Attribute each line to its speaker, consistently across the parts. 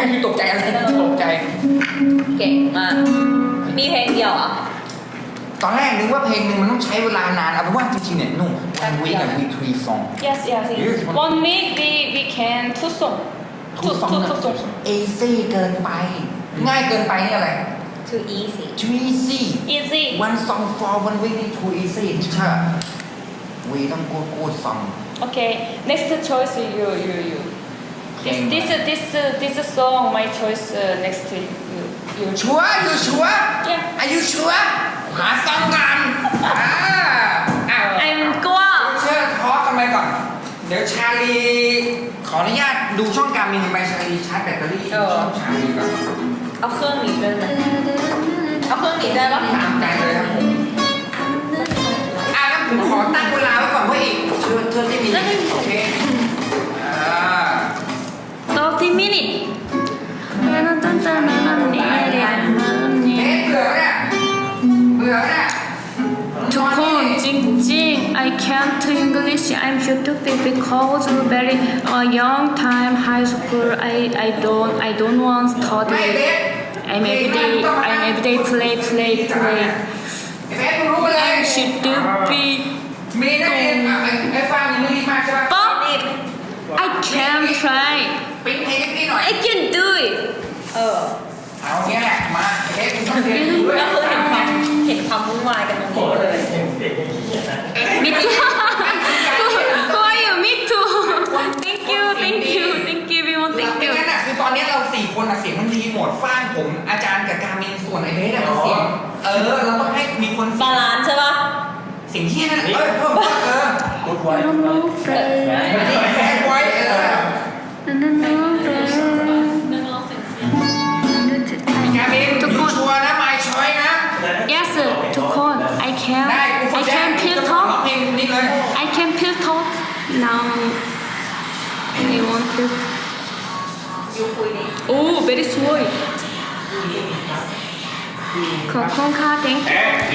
Speaker 1: ตกใจอะไรตกใจ
Speaker 2: เก่งมากมีเพลงเดียวอ่ะ
Speaker 1: ตอนแรกนึกว่าเพลงนึงมันต้องใช้เวลานานเอาเป็นว่าจริงๆเนี่ยนุ่ม one week and we three song
Speaker 3: Yes, one week we can two song
Speaker 1: two song easy เกินไปง่ายเกินไปนี่อะไร
Speaker 2: too easy
Speaker 1: too easy
Speaker 3: easy
Speaker 1: one song for one week นี่ too easy ใช่we ต้องกูด song
Speaker 3: Okay next choice you this song my choice next to you
Speaker 1: ชัวร์อยู่ชัวร์
Speaker 3: Yeah
Speaker 1: อายุชัวร์หาซองกัน
Speaker 3: I'm กลัว
Speaker 1: เชื่อทอล์กกันไปก่อน เดี๋ยวชาลีขออนุญาตดูช่องการมินไปชาลีชาร์จแบตเตอรี่ช่องชาลีก่อน
Speaker 2: เอาเครื่องหนีบได้ไหมเอาเครื่องหนีบได้ปะ
Speaker 1: ตามใจเลยครับผมงั้นผมขอตั้งเวลาไว้ก่อนเพื่ออีกเธอได้มีโอเค
Speaker 3: 30 minutes
Speaker 1: เบื่อเนี่ยเบื่อเนี่ย
Speaker 3: ทุกคนจริงๆ I can't English I'm stupid because very young time high school I don't want study I'm everyday play
Speaker 1: เฟซรู้ไปเลย
Speaker 3: I'm stupid
Speaker 1: มีนักเรียนไอ้ฟังมีรีบมากใช่ปะ
Speaker 3: but I can try
Speaker 1: ปิ๊งเพลงนิดหน่อย
Speaker 3: I can do it
Speaker 1: เอาเงี้ยมาเฟซคุณต้องเรียนรู้ด้วย
Speaker 2: ก็คือเห็นความวุ่นวายกันตรงนี้เลย
Speaker 3: Me too Who are you Me too Thank you everyone
Speaker 1: ไม่
Speaker 3: Thank you
Speaker 1: งั้นคือตอนนี้เรา4คนเสียงมันดีหมดฟ้างผมอาจารย์กับการมินส่วนไอ้เบสมันเสียงเราต้องให้มีคน
Speaker 2: บาลานซ์ใช่ปะ
Speaker 1: สิ่งที่นั่นเพิ่ม
Speaker 4: กูดไว้
Speaker 3: I don't know
Speaker 1: อันนี้แพ้ไว้การมินทุกคนชัวร์นะไม่ช้อยนะ
Speaker 3: Yes ทุกคน I can
Speaker 1: ได้กู
Speaker 3: I can feel
Speaker 1: ร้อง
Speaker 3: talk
Speaker 1: เพลงนี้เลย
Speaker 3: I can feel talk now I want to
Speaker 2: อยู่คุยดิ
Speaker 3: Oh very slow ขอบคุณค่ะ Thank you
Speaker 4: ดี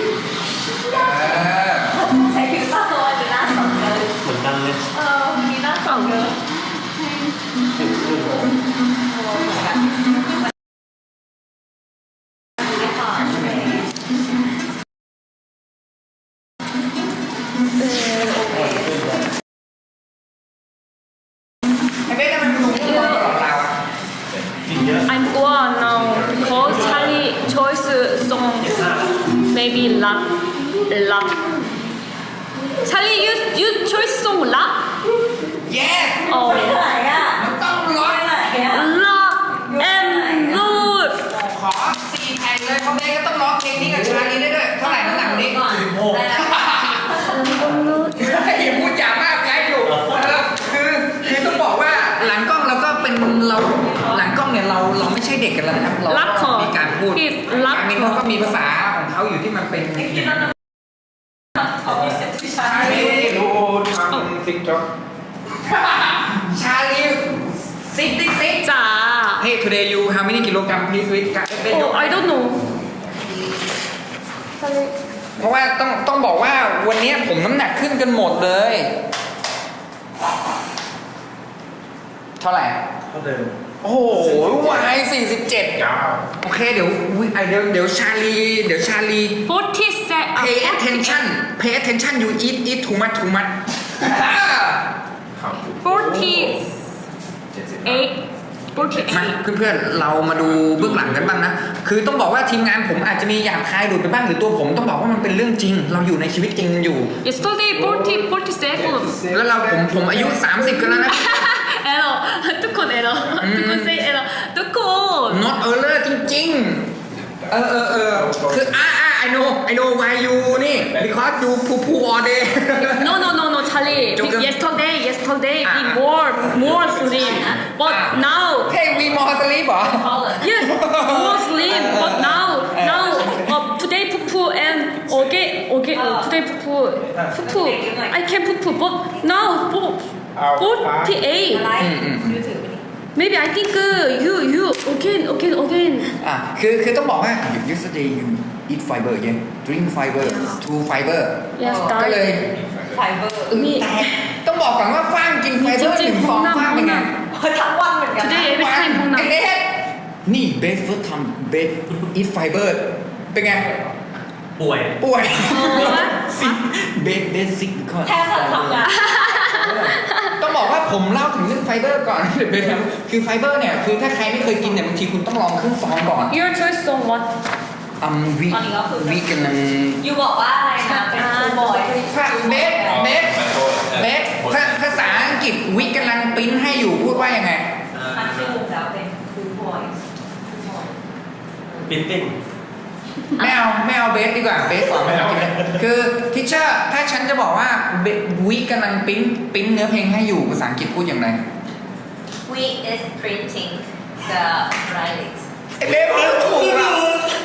Speaker 2: ใช้ผิวตาตัวจะหน้าสองเลย
Speaker 4: เหมือนกันเลย
Speaker 2: มีหน้าสองเลย
Speaker 1: ไอ้เบสทำไมมันลงที่ตลอดเรา
Speaker 4: กินเยอะ
Speaker 3: I'm gone now because Charlie choice song maybe rap Charlie you choice song rap
Speaker 1: yes
Speaker 3: oh
Speaker 2: ไปไหนอ่ะ
Speaker 1: มันต้องร้อย
Speaker 2: ไปไหนอ่ะ
Speaker 3: rap and root
Speaker 1: ขอ4แผ่นเลยเพราะเบสก็ต้องร้องเพลงนี้กับชาลีได้ด้วยเท่าไหร่น้ำหนักนี้อย่าพูดจามากย้ายอยู่คือต้องบอกว่าหลังกล้องเราก็เป็นเราหลังกล้องเนี่ยเราไม่ใช่เด็กกันแล้วนะครับเราก็มีการพูดมีเขาก็มีภาษาของเขาอยู่ที่มันเป็นชาลีรู้ทำติ๊กต็อกชาลี66
Speaker 3: จ้า
Speaker 1: Hey today you how many kilogram please with
Speaker 3: oh I don't know
Speaker 1: เพราะว่าต้องบอกว่าวันนี้ผมน้ำหนักขึ้นกันหมดเลยเท่าไหร่
Speaker 4: เท่าเดิม
Speaker 1: โอ้โหวาย47โอเคเดี๋ยวชาลี
Speaker 3: 40 set
Speaker 1: pay attention you eat too much มาเพื่อนๆเรามาดูเบื้องหลังกันบ้างนะคือต้องบอกว่าทีมงานผมอาจจะมีหยาบคายหลุดไปบ้างหรือตัวผมต้องบอกว่ามันเป็นเรื่องจริงเราอยู่ในชีวิตจริงอยู่
Speaker 3: yesterday 40 seconds
Speaker 1: แล้วผมอายุ30กันแล้วนะ
Speaker 3: error ทุกคน error ทุกคน say error ทุกคน
Speaker 1: not error จริงๆคือI know why you นี่ because you poo all day
Speaker 3: no Charlie yesterday we more sleep but now
Speaker 1: hey we more sleep เหรอ
Speaker 3: yes more sleep but now today poo and okay today poo I can poo but now 48 maybe I think you again
Speaker 1: คือต้องบอกว่า yesterday you eat fiber yeah drink fiber two fiber
Speaker 3: yes
Speaker 1: ก็เลย
Speaker 2: ไฟเบอร์
Speaker 1: แต่ต้องบอกก่อนว่าฟ้างกินไฟเบอร์1 ฟองฟ้างเป็นไง
Speaker 2: ทั้งวันเหมือนกัน
Speaker 3: Today every time พง
Speaker 1: ไอ้
Speaker 3: นะ
Speaker 1: เบสนี่เบสเฟิร์สทำเบสอีทไฟเบอร์เป็นไง
Speaker 4: ป่วย
Speaker 1: ป่วย
Speaker 3: What?
Speaker 1: ซิกเบสซิกก่อน
Speaker 2: แทบจะทำงาน
Speaker 1: ต้องบอกว่าผมเล่าถึงเรื่องไฟเบอร์ก่อน คือไฟเบอร์เนี่ยคือถ้าใครไม่เคยกินเนี่ยบางทีคุณต้องลองครึ่งซองก่อน
Speaker 3: Your choice on what?
Speaker 1: วิกำลัง
Speaker 2: ยูบอกว่าอะไรนะเป็นคูบอย
Speaker 1: เบสภาษาอังกฤษวิกำลังปริ้นให้อยู่พูดว่ายังไง
Speaker 2: มันชื่อแล้วเป็นคูบอย
Speaker 4: ปิ้นติ้ง
Speaker 1: ไม่เอาเบสดีกว่าเบสสอนไม่เอาคือทิชเชอร์ถ้าฉันจะบอกว่าวิกำลังปริ้นเนื้อเพลงให้อยู่ภาษาอังกฤษพูดอย่างไร
Speaker 2: We is printing the lyrics
Speaker 1: ไอ้เบสพูดถูกเหรอ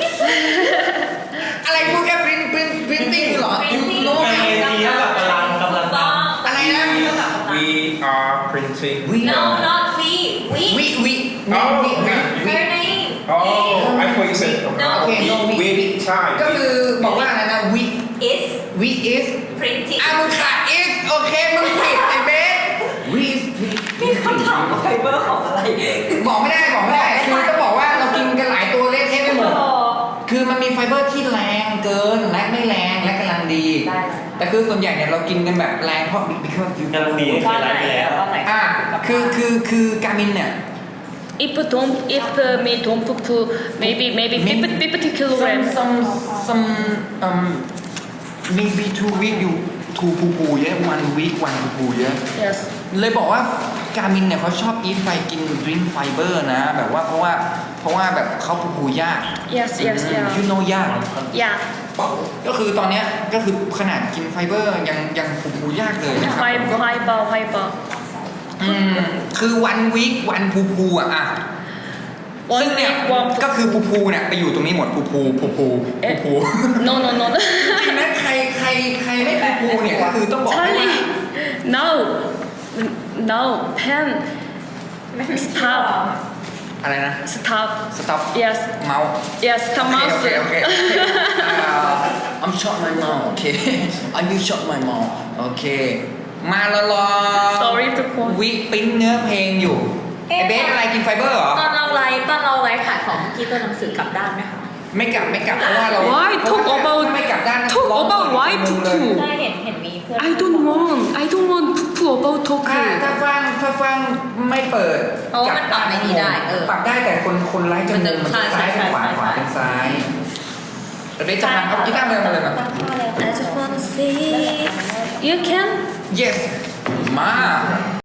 Speaker 1: อะไรพูดแค่ปริ้นติ้งเหรอ
Speaker 2: Printing
Speaker 1: โน้
Speaker 4: กำลังดีแล้วกับกำลัง
Speaker 1: อะไรนะ
Speaker 5: We are printing.
Speaker 2: No not we
Speaker 1: วิ
Speaker 2: her name
Speaker 5: Oh, I thought you said.
Speaker 2: No.
Speaker 5: Okay, no, we ใช่
Speaker 1: ก็คือบอกว่าอะไรนะวิ
Speaker 2: is
Speaker 1: อิส
Speaker 2: printing
Speaker 1: มึงขาดอิสโอเคมึงผิดไอ้เบสวิส
Speaker 2: มีคำถามว่าไฟเบอร์ของอะไร
Speaker 1: บอกไม่ได้คือต้องบอกว่าเรากินกันหลายตัวเละเทะไปหมด คือมันมีไฟเบอร์ที่แรงเกินและไม่แรงและกำลังดี แต่คือส่วนใหญ่เนี่ยเรากินกันแบบแรงเพราะ because you
Speaker 4: กำลังดีเคยไลฟ์ไปแล้ว
Speaker 1: คือการมินเนี่ย
Speaker 3: If me don't poo maybe 50 kilograms.
Speaker 1: some maybe 2 week you 2 ปูเยอะ 1 week 1 ปูเยอะ
Speaker 3: Yes.
Speaker 1: เลยบอกว่าการมินเนี่ยเขาชอบอีทไฟกินดริงไฟเบอร์นะแบบว่าเพราะว่าแบบเขาปูยาก
Speaker 3: Yes, yeah.
Speaker 1: you know ยาก
Speaker 3: Yeah.
Speaker 1: ก็คือตอนเนี้ยก็คือขนาดกินไฟเบอร์ยังปูยากเลยนะครับ
Speaker 3: Fiber.
Speaker 1: คือวันวีควันภูอ่ะ
Speaker 3: One
Speaker 1: ซึ่งเนี่ย
Speaker 3: week, one
Speaker 1: ก็คือภูเนี่ยไปอยู่ตรงนี้หมดภู
Speaker 3: No.
Speaker 1: จริงนะใครไม่ภูเนี่ยก็คือต้องบอกให้ว่า
Speaker 3: Charlie. No. Pen. Stop.
Speaker 1: อะไรนะ
Speaker 3: Stop.
Speaker 1: stop
Speaker 3: Yes.
Speaker 1: เมาส์
Speaker 3: Yes. Stop
Speaker 1: โอ
Speaker 3: mouse.
Speaker 1: เค I'm shot my mouth โอเค I will shot my mouth โอเค มาละลอ
Speaker 3: Sorry ทุกคน
Speaker 1: วิปิ้นเนื้อเพลงอยู่ไอเบสอะไรกินไฟเบอร์เหรอ
Speaker 2: ตอนเราไลฟ์ขายของเมื่อกี้ตัวหนังสือกลับด้านไหมคะ
Speaker 1: ไม่กลับเพราะว่าเรา
Speaker 3: Why talk
Speaker 1: ถ้า
Speaker 3: about
Speaker 1: ไม่กลับด้าน
Speaker 3: talk
Speaker 1: ร้อง
Speaker 3: about
Speaker 1: เปิด
Speaker 3: why
Speaker 1: มุมเลย
Speaker 3: poo?
Speaker 2: ใช่เห็นมีเพื่อน
Speaker 3: I don't want poo about
Speaker 1: ถ้า
Speaker 3: talk.
Speaker 1: ฟังไม่เปิด
Speaker 2: โอ้มันปรับในนี้ได้
Speaker 1: ปรับได้แต่คนไลฟ์จะ
Speaker 2: มัน
Speaker 1: มุ
Speaker 2: จะ
Speaker 1: มมัน
Speaker 2: ใช่
Speaker 1: ซ้าย
Speaker 2: ใช่
Speaker 1: เป็นขวา
Speaker 2: ใช่
Speaker 1: ขวาเป็นซ้ายแต่เบสจะมาเอากีตาร์มาเลยมา
Speaker 3: I just wanna see. You can.
Speaker 1: yes มา